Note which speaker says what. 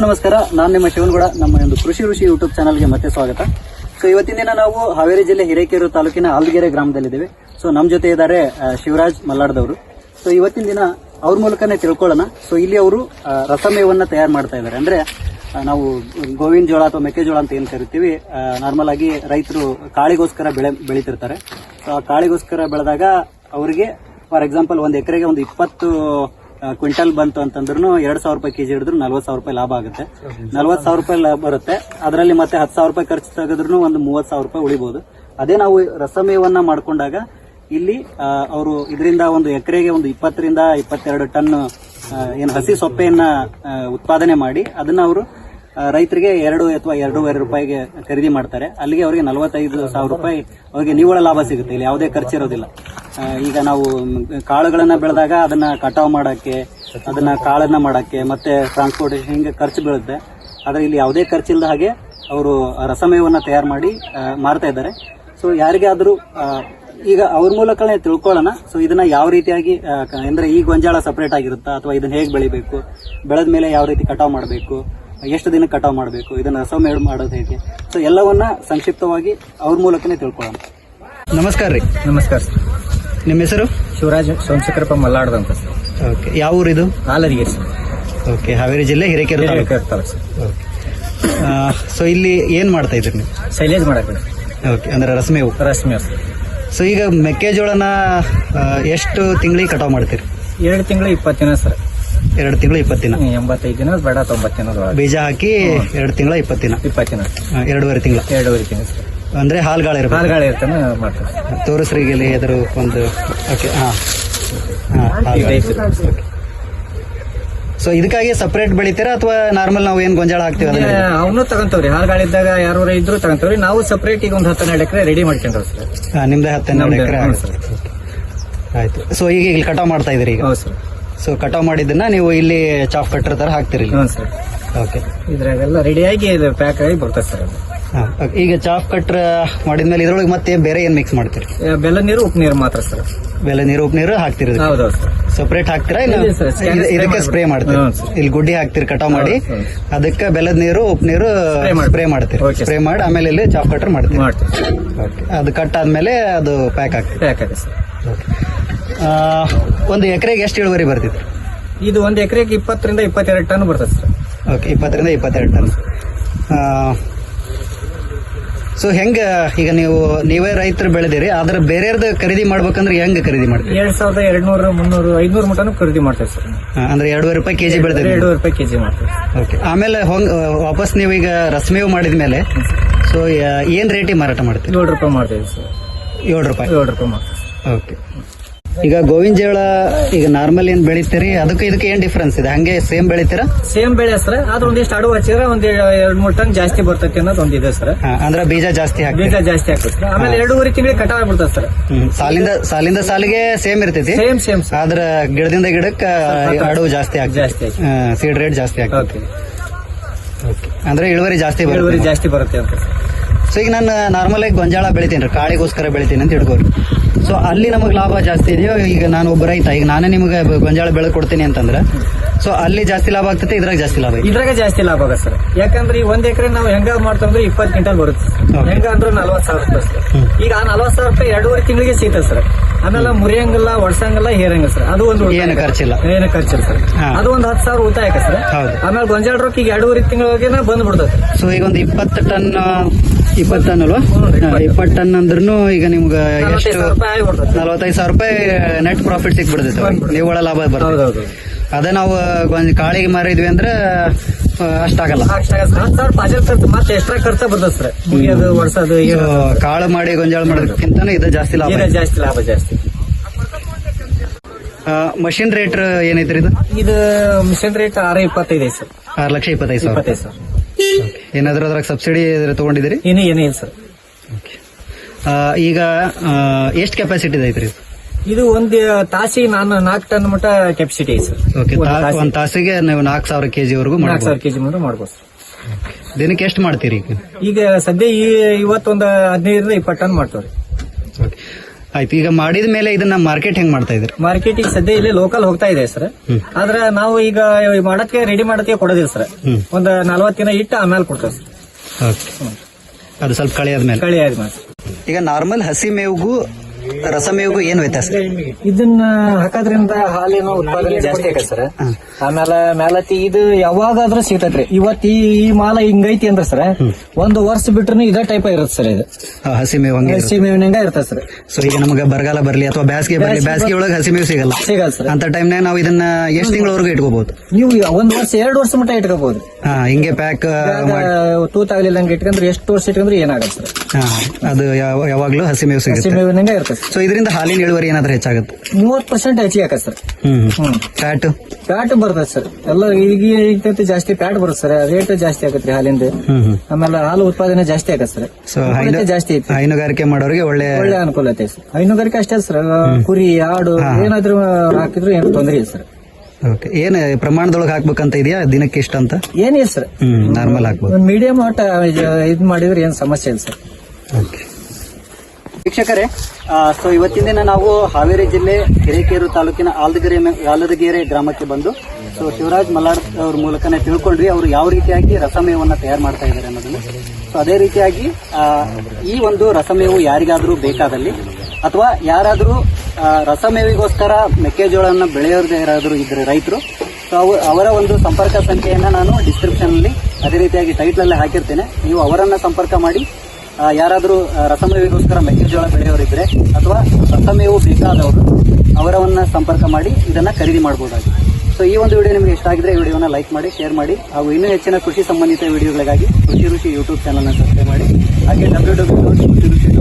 Speaker 1: ನಮಸ್ಕಾರ. ನಾನು ನಿಮ್ಮ ಶಿವನಗೌಡ. ನಮ್ಮ ಒಂದು ಕೃಷಿ ಋಷಿ ಯೂಟ್ಯೂಬ್ ಚಾನಲ್ಗೆ ಮತ್ತೆ ಸ್ವಾಗತ. ಸೊ ಇವತ್ತಿನ ದಿನ ನಾವು ಹಾವೇರಿ ಜಿಲ್ಲೆ ಹಿರೇಕೆರೂರು ತಾಲೂಕಿನ ಆಲ್ದಗೆರೆ ಗ್ರಾಮದಲ್ಲಿದ್ದೇವೆ. ಸೊ ನಮ್ಮ ಜೊತೆ ಇದ್ದಾರೆ ಶಿವರಾಜ್ ಮಲ್ಲಾಡ್ದವರು. ಸೊ ಇವತ್ತಿನ ದಿನ ಅವ್ರ ಮೂಲಕನೇ ತಿಳ್ಕೊಳ್ಳೋಣ. ಸೊ ಇಲ್ಲಿ ಅವರು ರಸಮೇವನ್ನ ತಯಾರು ಮಾಡ್ತಾ ಇದ್ದಾರೆ. ಅಂದ್ರೆ ನಾವು ಗೋವಿನ ಜೋಳ ಅಥವಾ ಮೆಕ್ಕೆಜೋಳ ಅಂತ ಏನ್ ಕರಿತೀವಿ, ನಾರ್ಮಲ್ ಆಗಿ ರೈತರು ಕಾಳಿಗೋಸ್ಕರ ಬೆಳಿತಿರ್ತಾರೆ. ಸೊ ಆ ಕಾಳಿಗೋಸ್ಕರ ಬೆಳೆದಾಗ ಅವರಿಗೆ ಫಾರ್ ಎಕ್ಸಾಂಪಲ್ ಒಂದು ಎಕರೆಗೆ ಒಂದು 20 ಕ್ವಿಂಟಲ್ ಬಂತು ಅಂತಂದ್ರೂ 2,000 ರೂಪಾಯಿ ಕೆಜಿ ಹಿಡಿದ್ರು 40,000 ರೂಪಾಯಿ ಲಾಭ ಆಗುತ್ತೆ. 40,000 ರೂಪಾಯಿ ಲಾಭ ಬರುತ್ತೆ. ಅದರಲ್ಲಿ ಮತ್ತೆ 10,000 ರೂಪಾಯಿ ಖರ್ಚು ತೆಗೆದ್ರು ಒಂದು 30,000 ರೂಪಾಯಿ ಉಳಿಬಹುದು. ಅದೇ ನಾವು ರಸಮೇವನ್ನ ಮಾಡ್ಕೊಂಡಾಗ ಇಲ್ಲಿ ಅವರು ಇದರಿಂದ ಒಂದು ಎಕರೆಗೆ ಒಂದು 20 ರಿಂದ 22 ಟನ್ ಏನು ಹಸಿ ಸೊಪ್ಪೆಯನ್ನ ಉತ್ಪಾದನೆ ಮಾಡಿ ಅದನ್ನ ಅವರು ರೈತರಿಗೆ 2 ಅಥವಾ 2.5 ರೂಪಾಯಿಗೆ ಖರೀದಿ ಮಾಡ್ತಾರೆ. ಅಲ್ಲಿಗೆ ಅವರಿಗೆ 45,000 ರೂಪಾಯಿ ಅವರಿಗೆ ನಿವ್ವಳ ಲಾಭ ಸಿಗುತ್ತೆ. ಇಲ್ಲಿ ಯಾವುದೇ ಖರ್ಚಿರೋದಿಲ್ಲ. ಈಗ ನಾವು ಕಾಳುಗಳನ್ನ ಬೆಳೆದಾಗ ಅದನ್ನ ಕಟಾವು ಮಾಡಕ್ಕೆ, ಅದನ್ನ ಕಾಳನ್ನ ಮಾಡಕ್ಕೆ, ಮತ್ತೆ ಟ್ರಾನ್ಸ್ಪೋರ್ಟೇಷನ್ ಹಿಂಗೆ ಖರ್ಚು ಬೀಳುತ್ತೆ. ಆದ್ರೆ ಇಲ್ಲಿ ಯಾವುದೇ ಖರ್ಚಿಲ್ಲದ ಹಾಗೆ ಅವರು ರಸಮೇವನ್ನ ತಯಾರು ಮಾಡಿ ಮಾರ್ತಾ ಇದ್ದಾರೆ. ಸೊ ಯಾರಿಗಾದ್ರೂ ಈಗ ಅವ್ರ ಮೂಲಕನೇ ತಿಳ್ಕೊಳ್ಳೋಣ. ಸೊ ಇದನ್ನ ಯಾವ ರೀತಿಯಾಗಿ ಅಂದ್ರೆ ಈ ಗೊಂಜಾಳ ಸಪರೇಟ್ ಆಗಿರುತ್ತಾ ಅಥವಾ ಇದನ್ನ ಹೇಗೆ ಬೆಳಿಬೇಕು, ಬೆಳೆದ ಮೇಲೆ ಯಾವ ರೀತಿ ಕಟಾವು ಮಾಡಬೇಕು, ಎಷ್ಟು ದಿನ ಕಟಾವು ಮಾಡಬೇಕು, ಇದನ್ನ ರಸಮೇವ ಮಾಡೋದು ಹೇಗೆ, ಸೊ ಎಲ್ಲವನ್ನ ಸಂಕ್ಷಿಪ್ತವಾಗಿ ಅವ್ರ ಮೂಲಕನೇ ತಿಳ್ಕೊಳ್ಳೋಣ. ನಮಸ್ಕಾರ ರೀ.
Speaker 2: ನಮಸ್ಕಾರ ಸರ್.
Speaker 1: ನಿಮ್ಮ ಹೆಸರು?
Speaker 2: ಶಿವರಾಜ್ ಸೋಮಶೇಖರಪ್ಪ ಮಲ್ಲಾಡ್ದ ಅಂತ ಸರ್.
Speaker 1: ಓಕೆ. ಯಾವ ಊರಿದು?
Speaker 2: ಆಲದಿಗೆ ಸರ್.
Speaker 1: ಓಕೆ. ಹಾವೇರಿ ಜಿಲ್ಲೆ ಹಿರೇಕೆರೂರು
Speaker 2: ತಾಲೂಕು ಸರ್.
Speaker 1: ಓಕೆ. ಸೊ ಇಲ್ಲಿ ಏನ್ ಮಾಡ್ತಾ ಇದ್ರಿ ನೀವು?
Speaker 2: ಶೈಲೇಜ್ ಮಾಡಕ್ಕೆ.
Speaker 1: ಓಕೆ. ಅಂದ್ರೆ ರಸಮೇವು.
Speaker 2: ರಸಮೇವ್.
Speaker 1: ಸೊ ಈಗ ಮೆಕ್ಕೆಜೋಳನ ಎಷ್ಟು ತಿಂಗಳಿಗೆ ಕಟಾವು ಮಾಡ್ತೀರಿ?
Speaker 2: 2 ತಿಂಗಳು 20 ದಿನ ಸರ್.
Speaker 1: 2 ತಿಂಗಳು 20 ದಿನ.
Speaker 2: 85 ದಿನ ಬೇಡ 90 ದಿನ
Speaker 1: ಬೀಜ ಹಾಕಿ 2 ತಿಂಗಳ 20 ದಿನ.
Speaker 2: 20 ದಿನ.
Speaker 1: 2.5 ತಿಂಗಳ.
Speaker 2: 2.5 ತಿಂಗಳು ಸರ್.
Speaker 1: ಅಂದ್ರೆ ಹಾಲ್ಗಾಳ
Speaker 2: ಇರ್ತಾನೆ ಮಾಡ್ತಾರೆ.
Speaker 1: ತೋರಿಸ್ರಿಗೆಲ್ಲಿ ಎದ್ರ ಒಂದು. ಓಕೆ. ಸೊ ಇದಕ್ಕಾಗಿ ಸಪರೇಟ್ ಬೆಳಿತೀರಾ ಅಥವಾ ನಾರ್ಮಲ್ ನಾವು ಏನ್ ಗೊಂಜಾಳ ಹಾಕ್ತಿವಿ
Speaker 2: ಅವನು ತಗೊಂತವ್ರಿ? ಹಾಲ್ಗಾಳಿದ್ದಾಗ ಯಾರು ಇದ್ರು ತಗೊಂತವ್ರಿ. ನಾವು ಸಪರೇಟ್ ಈಗ ಒಂದು 10-12 ಎಕರೆ ರೆಡಿ ಮಾಡ್ಕೊಂಡ್ರಿ ಸರ್.
Speaker 1: ನಿಮ್ದೇ 10-12 ಎಕರೆ ಆಯ್ತು. ಸೊ ಈಗ ಇಲ್ಲಿ ಕಟಾವ್ ಮಾಡ್ತಾ ಇದ್ರಿ ಈಗ?
Speaker 2: ಹೌದು ಸರ್.
Speaker 1: ಸೊ ಕಟಾವ್ ಮಾಡಿದ್ದನ್ನ ನೀವು ಇಲ್ಲಿ ಚಾಫ್ ಕಟ್ಟರ್ ತರ ಹಾಕ್ತಿರಿ?
Speaker 2: ಹ್ಞೂ ಸರ್.
Speaker 1: ಓಕೆ.
Speaker 2: ಇದ್ರಾಗೆಲ್ಲ ರೆಡಿಯಾಗಿ ಪ್ಯಾಕ್ ಆಗಿ ಬರ್ತದೆ ಸರ್.
Speaker 1: ಈಗ ಚಾಫ್ ಕಟ್ರ ಮಾಡಿದ್ಮೇಲೆ ಇದ್ರೊಳಗೆ ಮತ್ತೆ ಬೇರೆ ಏನ್ ಮಿಕ್ಸ್ ಮಾಡ್ತೀರಿ?
Speaker 2: ಬೆಲ್ಲ ನೀರು, ಉಪ್ಪು ನೀರು ಮಾತ್ರ ಸರ್.
Speaker 1: ಬೆಲ್ಲ ನೀರು, ಉಪ್ಪು ನೀರು ಹಾಕ್ತಿರಿ?
Speaker 2: ಹೌದೌದು ಸರ್.
Speaker 1: ಸಪರೇಟ್ ಹಾಕ್ತಿರಾ? ಇದಕ್ಕೆ ಸ್ಪ್ರೇ ಮಾಡ್ತೀರಿ? ಇಲ್ಲಿ ಗುಡ್ಡಿ ಹಾಕ್ತಿರಿ ಕಟಾವ್ ಮಾಡಿ, ಅದಕ್ಕೆ ಬೆಲ್ಲದ ನೀರು, ಉಪ್ಪು ನೀರು ಸ್ಪ್ರೇ ಮಾಡ್ತೀರಿ? ಸ್ಪ್ರೇ ಮಾಡಿ ಆಮೇಲೆ ಇಲ್ಲಿ ಚಾಫ್ ಕಟ್ರ್ ಮಾಡ್ತೀರಿ? ಅದು ಕಟ್ ಆದ್ಮೇಲೆ ಅದು ಪ್ಯಾಕ್ ಆಗ್ತದೆ ಸರ್. ಒಂದು ಎಕರೆಗೆ ಎಷ್ಟು ಇಳುವರಿ ಬರ್ತಿತ್ತು?
Speaker 2: ಇದು ಒಂದು ಎಕರೆಗೆ 20 ರಿಂದ 22 ಟನ್ ಬರ್ತದೆ ಸರ್.
Speaker 1: ಓಕೆ. 20 ರಿಂದ 22 ಟನ್. ಸೊ ಹೆಂಗ ಈಗ ನೀವೇ ರೈತರು ಬೆಳೆದಿರಿ, ಆದ್ರೆ ಬೇರೆಯವ್ರದ್ದು ಖರೀದಿ ಮಾಡ್ಬೇಕಂದ್ರೆ ಹೆಂಗ್ ಖರೀದಿ ಮಾಡ್ತೀವಿ?
Speaker 2: 2,200, 300, 500 ಮಟನು ಖರೀದಿ ಮಾಡ್ತೇವೆ ಸರ್.
Speaker 1: ಅಂದ್ರೆ 2.5 ರೂಪಾಯಿ ಕೆಜಿ ಬೆಳೆದಿರಿ?
Speaker 2: 2.5 ರೂಪಾಯಿ ಕೆಜಿ ಮಾಡ್ತೇವೆ.
Speaker 1: ಓಕೆ. ಆಮೇಲೆ ವಾಪಸ್ ನೀವು ಈಗ ರಸಮೇವ್ ಮಾಡಿದ್ಮೇಲೆ ಸೊ ಏನ್ ರೇಟಿಗೆ ಮಾರಾಟ ಮಾಡ್ತೀವಿ?
Speaker 2: 7 ರೂಪಾಯಿ ಮಾಡ್ತೇವೆ ಸರ್.
Speaker 1: 7 ರೂಪಾಯಿ?
Speaker 2: 7 ರೂಪಾಯಿ ಮಾಡ್ತೇವೆ.
Speaker 1: ಓಕೆ. ಈಗ ಗೋವಿನ ಜೋಳ ಈಗ ನಾರ್ಮಲ್ ಏನ್ ಬೆಳಿತೀರಿ, ಅದಕ್ಕೆ ಇದಕ್ಕೆ ಏನ್ ಡಿಫ್ರೆನ್ಸ್ ಇದೆ? ಹಂಗೆ ಸೇಮ್ ಬೆಳಿತೀರಾ? ಸೇಮ್
Speaker 2: ಬೆಳೆ ಸರ್. ಆದ್ರೆ ಒಂದಿಷ್ಟು ಅಡುಗೆ ಹಚ್ಚಿದ್ರೆ ಒಂದ್ 2-3 ಟನ್ ಜಾಸ್ತಿ ಬರ್ತೈತಿ ಅನ್ನೋದು ಒಂದಿದೆ ಸರ್.
Speaker 1: ಅಂದ್ರೆ ಬೀಜ ಜಾಸ್ತಿ
Speaker 2: ಹಾಕ್ತದೆ. ಆಮೇಲೆ 2.5 ತಿಂಗಳಿಗೆ ಕಟಾವ್ ಆಗ್ಬಿಡ್ತದೆ ಸರ್.
Speaker 1: ಸಾಲಿಂದ ಸಾಲಿಗೆ ಸೇಮ್ ಇರ್ತೈತಿ.
Speaker 2: ಸೇಮ್
Speaker 1: ಆದ್ರ ಗಿಡದಿಂದ ಗಿಡಕ್ಕೆ ಅಡುಗೆ ಜಾಸ್ತಿ ಆಗ್ತದೆ. ಸೀಡ್ ರೇಟ್ ಜಾಸ್ತಿ ಆಗ್ತದೆ. ಅಂದ್ರೆ ಇಳುವರಿ ಜಾಸ್ತಿ ಬರುತ್ತೆ ಅಂತ. ಸೊ ಈಗ ನಾನು ನಾರ್ಮಲ್ ಆಗಿ ಗೊಂಜಾಳ ಬೆಳಿತೀನಿ, ಕಾಳಿಗೋಸ್ಕರ ಬೆಳಿತೀನಿ ಅಂತ ಹಿಡ್ಕೋರಿ. ಸೊ ಅಲ್ಲಿ ನಮಗೆ ಲಾಭ ಜಾಸ್ತಿ ಇದೆಯೋ? ಈಗ ನಾನು ಒಬ್ಬ ರೈತ, ಈಗ ನಾನೇ ನಿಮಗೆ ಗೊಂಜಾಳ ಬೆಳೆದು ಕೊಡ್ತೀನಿ ಅಂತಂದ್ರೆ ಸೊ ಅಲ್ಲಿ ಜಾಸ್ತಿ ಲಾಭ ಆಗ್ತದೆ, ಇದ್ರಾಗ ಜಾಸ್ತಿ ಲಾಭ?
Speaker 2: ಇದ್ರಾಗ ಜಾಸ್ತಿ ಲಾಭ ಆಗ ಸರ್. ಯಾಕಂದ್ರೆ ಈ 1 ಎಕರೆ ನಾವು ಹೆಂಗ ಮಾಡ್ತಂದ್ರೆ 20 ಕ್ವಿಂಟಲ್ ಬರುತ್ತೆ. ಹೆಂಗ ಅಂದ್ರೆ 40,000 ರೂಪಾಯಿ. ಈಗ ಆ 40,000 ರೂಪಾಯಿ 2.5 ತಿಂಗಳಿಗೆ ಸಿಗ್ತದೆ ಸರ್. ಆಮೇಲೆ ಮುರಿಯಂಗಿಲ್ಲ, ಒಡ್ಸಂಗಿಲ್ಲ, ಹೇರಂಗಿಲ್ಲ ಸರ್. ಅದು ಒಂದು
Speaker 1: ಏನು ಖರ್ಚಿಲ್ಲ
Speaker 2: ಸರ್. ಅದು ಒಂದು 10,000 ಉಳಿತಾಯ ಸರ್. ಆಮೇಲೆ ಗೊಂಜಾಳ ರೊಕ್ಕ ಈಗ 2.5 ತಿಂಗಳಿಗೆ ಬಂದ್ಬಿಡ್ತದೆ.
Speaker 1: ಸೊ ಈಗ ಒಂದು 20 ಟನ್ ಅಲ್ವಾ? 20 ಟನ್ ಅಂದ್ರೂ ಈಗ ನಿಮ್ಗೆ ಎಷ್ಟು? 45,000 ರೂಪಾಯಿ ನೆಟ್ ಪ್ರಾಫಿಟ್ ಸಿಕ್ಬಿಡ್ತೈತೆ, ನಿವ್ವಳ ಲಾಭ ಬರ್ತದೆ. ಅದೇ ನಾವು ಕಾಳಿಗೆ ಮಾರಿದ್ವಿ ಅಂದ್ರೆ ಅಷ್ಟಾಗಲ್ಲ.
Speaker 2: 10,000 ಖರ್ಚು ಮತ್ತೆ ಎಕ್ಸ್ಟ್ರಾ ಖರ್ಚು ಬರ್ತದೆ ಸರ್. ಮುಗಿಯೋದು, ವರ್ಷದು.
Speaker 1: ಕಾಳು ಮಾಡಿ ಗೊಂಜಾಳ ಮಾಡೋದಕ್ಕಿಂತ ಇದು ಜಾಸ್ತಿ ಲಾಭ. ಜಾಸ್ತಿ. ಮಷಿನ್ ರೇಟ್ ಏನೈತ್ರಿ
Speaker 2: ಇದು ಮಿಷನ್ ರೇಟ್ 6,25 ಸರ್.
Speaker 1: 6,25,000 ಸರ್. ಏನಾದ್ರೂ ಅದ್ರಾಗ ಸಬ್ಸಿಡಿ ತಗೊಂಡಿದ್ದೀರಿ?
Speaker 2: ಏನಿಲ್ಲ ಸರ್.
Speaker 1: ಈಗ ಎಷ್ಟು ಕೆಪಾಸಿಟಿ ಐತ್ರಿ
Speaker 2: ಇದು? ಒಂದು ತಾಸಿಗೆ 4 ಟನ್ ಮಟ್ಟ ಕೆಪಾಸಿಟಿ ಐತೆ ಸರ್.
Speaker 1: ಓಕೆ. ಒಂದ್ ತಾಸಿಗೆ ನೀವು 4,000 ಕೆಜಿ ವರೆಗೂ
Speaker 2: 4,000 ಕೆಜಿ ಮಾಡ್ಬೋದು ಸರ್.
Speaker 1: ದಿನಕ್ಕೆ ಎಷ್ಟು ಮಾಡ್ತೀರಿ?
Speaker 2: ಈಗ ಸದ್ಯ ಇವತ್ತೊಂದು 15 ರಿಂದ 20 ಟನ್ ಮಾಡ್ತೇವ್ರಿ.
Speaker 1: ಆಯ್ತು. ಈಗ ಮಾಡಿದ ಮೇಲೆ ಇದನ್ನ ಮಾರ್ಕೆಟ್ ಹೆಂಗ್ ಮಾಡ್ತಾ ಇದ್ರಿ?
Speaker 2: ಮಾರ್ಕೆಟಿಗೆ ಸದ್ಯ ಇಲ್ಲಿ ಲೋಕಲ್ ಹೋಗ್ತಾ ಇದೆ ಸರ್. ಆದ್ರೆ ನಾವು ಈಗ ಮಾಡಕ್ಕೆ ರೆಡಿ ಮಾಡಕ್ಕೆ ಕೊಡೋದಿಲ್ಲ ಸರ್. ಒಂದ್ 40 ದಿನ ಇಟ್ಟು ಆಮೇಲೆ ಕೊಡ್ತೇವೆ ಸರ್.
Speaker 1: ಓಕೆ. ಅದು ಸ್ವಲ್ಪ ಕಳೆ ಆದ್ಮೇಲೆ.
Speaker 2: ಕಳಿ ಆದ್ಮೇಲೆ
Speaker 1: ಈಗ ನಾರ್ಮಲ್ ಹಸಿ ಮೇವಿಗೂ ರಸಮೇವಿಗೂ ಏನ್ ವ್ಯತ್ಯಾಸ?
Speaker 2: ಇದನ್ನ ಹಾಕೋದ್ರಿಂದ ಹಾಲಿನ ಉತ್ಪಾದನೆ ಜಾಸ್ತಿ ಆಗತ್ತೆ ಸರ್. ಆಮೇಲೆ ಮೇಲತಿ ಇದು ಯಾವಾಗಾದ್ರೂ ಸಿಗ್ತೈತ್ರಿ. ಇವತ್ತು ಈ ಮಾಲ ಹಿಂಗೈತಿ ಅಂದ್ರೆ ಸರ್, ಒಂದು ವರ್ಷ ಬಿಟ್ರು ಇದೇ ಟೈಪ್ ಇರುತ್ತೆ ಸರ್. ಇದು
Speaker 1: ಹಸಿ ಮೇವು ಹಂಗೆ
Speaker 2: ಹಸಿ ಮೇವಿನಂಗ ಇರ್ತದೆ ಸರ್.
Speaker 1: ಸೊ ಈಗ ನಮಗೆ ಬರಗಾಲ ಬರ್ಲಿ ಅಥವಾ ಬೇಸಿಗೆ ಬರ್ಲಿ, ಬೇಸಿಗೆ ಒಳಗೆ ಹಸಿ ಮೇವು ಸಿಗಲ್ಲ
Speaker 2: ಸರ್.
Speaker 1: ಅಂತ ಟೈಮ್ನಾಗ ನಾವು ಇದನ್ನ ಎಷ್ಟು ತಿಂಗಳವರೆಗೂ ಇಟ್ಕೋಬಹುದು?
Speaker 2: ನೀವು ಒಂದ್ ವರ್ಷ 2 ವರ್ಷ ಮಟ್ಟ ಇಟ್ಕೋಬಹುದು.
Speaker 1: ಹಿಂಗೆ ಪ್ಯಾಕ್
Speaker 2: ತೂತಾಗ್ಲಿಲ್ಲಂಗ ಇಟ್ಕೊಂಡ್ರೆ ಎಷ್ಟು ವರ್ಷ ಇಟ್ಕೊಂಡ್ರೆ ಏನಾಗತ್ತೆ ಸರ್.
Speaker 1: ಅದು ಯಾವಾಗ್ಲೂ ಹಸಿ ಮೇವು
Speaker 2: ಹಸಿ
Speaker 1: ಸಿಗುತ್ತೆ.
Speaker 2: ಮೇವಿನಂಗ ಇರ್ತದೆ.
Speaker 1: ಸೊ ಇದರಿಂದ ಹಾಲಿನ ಇಳುವರಿ ಏನಾದ್ರೂ ಹೆಚ್ಚಾಗುತ್ತೆ?
Speaker 2: 30% ಹೆಚ್ಚಿಗೆ ಆಗತ್ತೆ ಸರ್.
Speaker 1: ಫ್ಯಾಟ್
Speaker 2: ಪ್ಯಾಟ್ ಬರ್ತದೆ ಸರ್. ಎಲ್ಲ ಈಗ ಜಾಸ್ತಿ ಪ್ಯಾಟ್ ಬರುತ್ತೆ ಸರ್. ರೇಟ್ ಜಾಸ್ತಿ ಆಗತ್ರಿ ಹಾಲಿಂದ. ಆಮೇಲೆ ಹಾಲು ಉತ್ಪಾದನೆ ಜಾಸ್ತಿ ಆಗತ್ತೆ ಸರ್.
Speaker 1: ಸೊ
Speaker 2: ಜಾಸ್ತಿ ಐತಿ.
Speaker 1: ಹೈನುಗಾರಿಕೆ ಮಾಡೋರಿಗೆ ಒಳ್ಳೆ
Speaker 2: ಅನುಕೂಲತೆ ಸರ್. ಹೈನುಗಾರಿಕೆ ಅಷ್ಟೇ ಸರ್. ಕುರಿ ಆಡು ಏನಾದ್ರೂ ಹಾಕಿದ್ರು ಏನು ತೊಂದರೆ ಇಲ್ಲ ಸರ್.
Speaker 1: ಓಕೆ. ಏನ್ ಪ್ರಮಾಣದೊಳಗೆ ಹಾಕ್ಬೇಕಂತ ಇದೆಯಾ? ದಿನಕ್ಕೆ ಇಷ್ಟ ಅಂತ
Speaker 2: ಏನಿಲ್ಲ ಸರ್.
Speaker 1: ನಾರ್ಮಲ್ ಹಾಕ್ಬೋದು.
Speaker 2: ಒಂದು ಮೀಡಿಯಂ ಆಟ ಇದು ಮಾಡಿದ್ರೆ ಏನ್ ಸಮಸ್ಯೆ ಇಲ್ಲ ಸರ್.
Speaker 1: ಓಕೆ. ವೀಕ್ಷಕರೇ, ಸೊ ಇವತ್ತಿನ ದಿನ ನಾವು ಹಾವೇರಿ ಜಿಲ್ಲೆ ಹಿರೇಕೆರೂರು ತಾಲೂಕಿನ ಆಲದಗೆರೆ ಗ್ರಾಮಕ್ಕೆ ಬಂದು ಸೊ ಶಿವರಾಜ್ ಮಲ್ಲಾಡ್ ಅವ್ರ ಮೂಲಕನೇ ತಿಳ್ಕೊಂಡ್ವಿ ಅವರು ಯಾವ ರೀತಿಯಾಗಿ ರಸಮೇವನ್ನ ತಯಾರು ಮಾಡ್ತಾ ಇದ್ದಾರೆ ಅನ್ನೋದನ್ನು. ಸೊ ಅದೇ ರೀತಿಯಾಗಿ ಈ ಒಂದು ರಸಮೇವು ಯಾರಿಗಾದ್ರೂ ಬೇಕಾದಲ್ಲಿ ಅಥವಾ ಯಾರಾದ್ರೂ ರಸಮೇವಿಗೋಸ್ಕರ ಮೆಕ್ಕೆಜೋಳವನ್ನು ಬೆಳೆಯೋದೇ ಯಾರಾದ್ರೂ ಇದ್ರೆ ರೈತರು, ಸೊ ಅವರ ಒಂದು ಸಂಪರ್ಕ ಸಂಖ್ಯೆಯನ್ನ ನಾನು ಡಿಸ್ಕ್ರಿಪ್ಷನ್ ಅಲ್ಲಿ ಅದೇ ರೀತಿಯಾಗಿ ಟೈಟ್ಲ್ ಅಲ್ಲಿ ಹಾಕಿರ್ತೇನೆ. ನೀವು ಅವರನ್ನ ಸಂಪರ್ಕ ಮಾಡಿ ಯಾರಾದರೂ ರಸಮೇವಿಗೋಸ್ಕರ ಮೆಕ್ಕೆಜೋಳ ಬೆಳೆಯೋರಿದ್ರೆ ಅಥವಾ ರಸಮೇವು ಬೇಕಾದವರು ಅವರನ್ನ ಸಂಪರ್ಕ ಮಾಡಿ ಇದನ್ನ ಖರೀದಿ ಮಾಡಬಹುದಾಗಿದೆ. ಸೊ ಈ ಒಂದು ವಿಡಿಯೋ ನಿಮಗೆ ಇಷ್ಟ ಆಗಿದ್ರೆ ಈ ವಿಡಿಯೋನ ಲೈಕ್ ಮಾಡಿ, ಶೇರ್ ಮಾಡಿ, ಹಾಗೂ ಇನ್ನೂ ಹೆಚ್ಚಿನ ಕೃಷಿ ಸಂಬಂಧಿತ ವಿಡಿಯೋಗಳಿಗಾಗಿ ಕೃಷಿ ಋಷಿ ಯೂಟ್ಯೂಬ್ ಚಾನಲ್ನ ಸಬ್ಸ್ಕ್ರೈಬ್ ಮಾಡಿ. ಹಾಗೆ www.ಕೃಷಿಋಷಿ